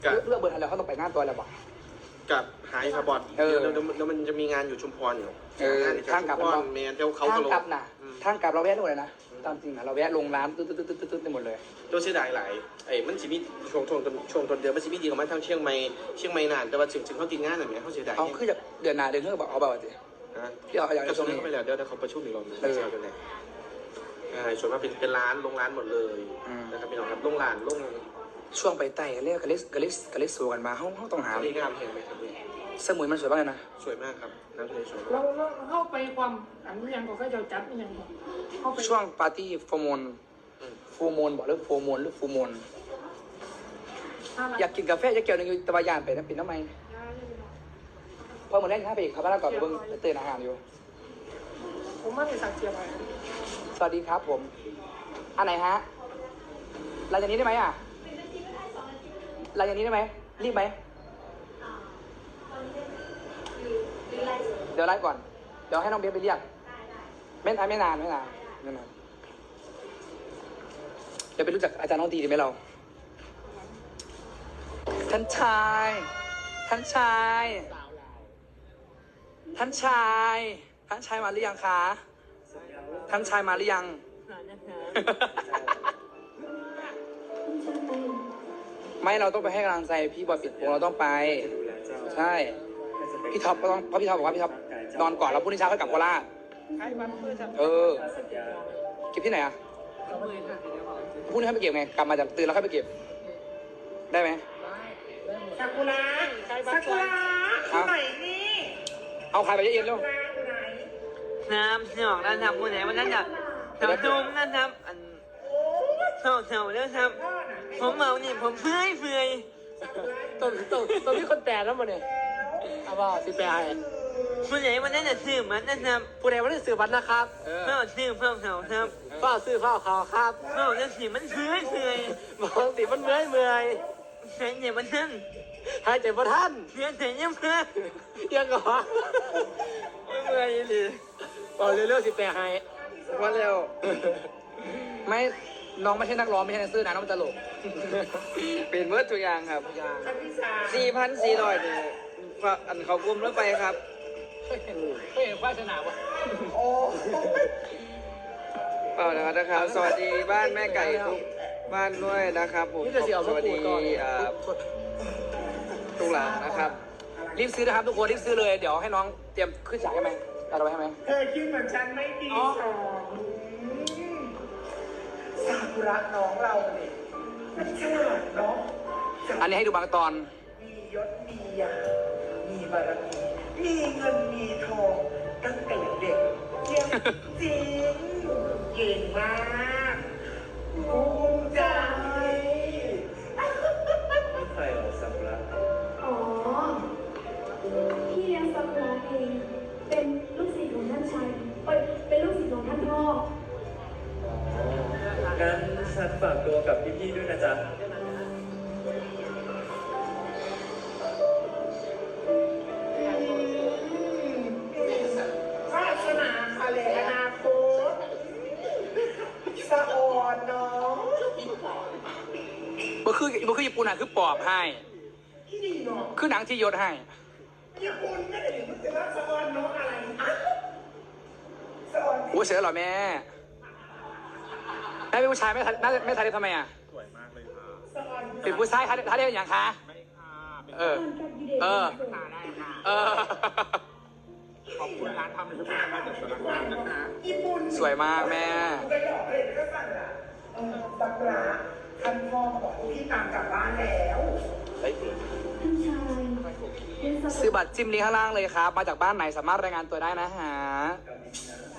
เลือกเบอร์ทันแล้วเขาต้องไปงานตัวแล้วบอกกับหายคาร์บอนเดี๋ยวมันจะมีงานอยู่ชุมพรอยู่งานในชุมพรเมนเที่ยวเขาทางกะโหลกลับนะทางกลับเราแวะทุกเลยนะตามจริงนะเราแวะลงร้านตึ๊ดไปหมดเลยตัวเสียดายหลายมันจะมีช่วงต้นเดือนมันจะมีดีของมันทั้งเชียงใหม่นานแต่ว่าถึงเขาติดงานอะไรเขาเสียดายเอาคือจะเดือนหน้าเดือนเท่ากับเอาแบบสิที่เอาอย่างกระทรวงนี้เข้าไปแล้วเดี๋ยวเขาประชุมอีกรอบนึงเช้ากันเลยส่วนมากเป็นร้านโรงร้านหมดเลยนะครับพี่น้องครับโรงร้านช่วงไปไต่เรียกกะลิสสู่กันมาเขาต้องหานี่งามเห็นไหมครับสมุยมันสวยมากเลยนะสวยมากครับน้ำทะเลสวยเราเข้าไปความอันนี้ยังก็ค่อยจะจัดยังเข้าไปช่วงปาร์ตี้ฟูโมนบอกเรื่องฟูโมนอยากกินกาแฟจะเกี่ยวนึงอยู่ตะวันยานไปนะปิดน้ำไมพอเหมือนเล่นข้าไปอีกครับแล้วก่อนเบิ้งตื่นอาหารอยู่ผมไม่ได้สั่งเชียร์ไปสวัสดีครับผมอันไหนฮะรายอย่างนี้ได้ไหมอ่ะรายอย่างนี้ได้ไหมรีบไหมเดี๋ยวไล่ก่อนเดี๋ยวให้น้องเบสไปเรียกไม่นานเดี๋ยวไปรู้จักอาจารย์น้องดีดีไหมเราท่านชายมาหรือยังคะท่านชายมาหรือยัง ไม่เราต้องไปให้กำลังใจพี่บอยปิดวงเราต้องไปใช่พี่ท็อปก็ต้องเพราะพี่ท็อปบอกว่าพี่ท็อปนอนก่อนแล้วพรุ่งนี้เช้าค่อยกลับโคราชใครมันเพื่อจะเก็บที่ไหนอ่ะพรุ่งนี้ค่อยไปเก็บไงกลับมาจากตื่นแล้วค่อยไปเก็บได้ไหมซากุระที่ไหนนี่เอาใครไปเย็นๆเร็วน้ำหนองนั่นทำคนไหนวันนั้นแบบทำดุมนั่นทำอันเท่าแล้วทำผมเมานี่ผมเฟื่อยตัวพี่คนแตกแล้วมันเนี่ยเอาว่าสิแปลผู้ใหญ่วันนั้นจะซื้อมันนั่นทำผู้ใดวันนี้สื่อบัตรนะครับเฝ้าซื้อเฝ้าเท่าทเฝ้าซื้อเฝ้าข่าวครับำเฝ้าจะสิมันเฟื่อยบางสิมันเมื่อยใช่เนี่ยมันนั่นหายใจพระท่านเพื่อนแต่ยังเพื่อยังก่อนเมื่อยเลยบอกเรื่องสิแปลให้วันแล้วไม่น้องไม่ใช่นักร้องไม่ใช่นักซื้อนะน้องตลกเป็นเมื่อตัวอย่างครับ4,400เนี่ยอันเขากลมแล้วไปครับไม่เห็นควายสนามวะเปล่านะครับ สวัสดีบ้านแม่ไก่ทุกบ้านด้วยนะครับผมนี่จะเสียสเอาวัสปูดีก่อนทุกหลังนะครับรีบซื้อนะครับทุกคนรีบซื้อเลยเดี๋ยวให้น้องเตรียมขึ้นฉากให้ไหมเอาไปให้ไหมเธอคิดเหมือนฉันไม่ดีสองซากุระน้องเราเนี่ยมันฉลาดเนาะอันนี้ให้ดูบางตอนมียศมียามีบารมีมีเงินมีทองตั้งแต่เด็กเยี่ยมจริงเก่งมากภูมิใจใครเหรอซากุระอ๋อ พี่เลี้ยงซากุระเอง เป็นลูกศิษย์ของท่านชายเป็นลูกศิษย์ของท่านพ่องั้นฉันฝากตัวกับพี่ๆด้วยนะจ๊ะวาสนาอะไรอนาคตสะออนเนาะบ่คือญี่ปุ่นอ่ะคือปอบให้ที่นี่เนาะคือหนังที่ยศให้ญี่ปุ่นไม่ได้ถึงจะว่าสะออนเนาะอะไรอะสะออนโอ้เสียแล้วเหรอแม่แม่เป็นผู้ชายไม่ทันไม่ทันได้ทำไมอ่ะสะออนเป็นผู้ชายทันได้อย่างคะเออ เออ เออขอบคุณร้านทำทุกอย่างมาจากสารคามนะคะญี่ปุ่นสวยมากแม่ไปหลอกเลยก็สั่งอ่ะซากุระท่านพ่อมาบอกว่าพี่ตามกลับบ้านแล้วท่านชายเลี้ยงซากุซื้อระบัตรจิ้มลิงก์ข้างล่างเลยครับ มาจากบ้านไหนสามารถรายงานตัวได้นะฮะกับดิฉัน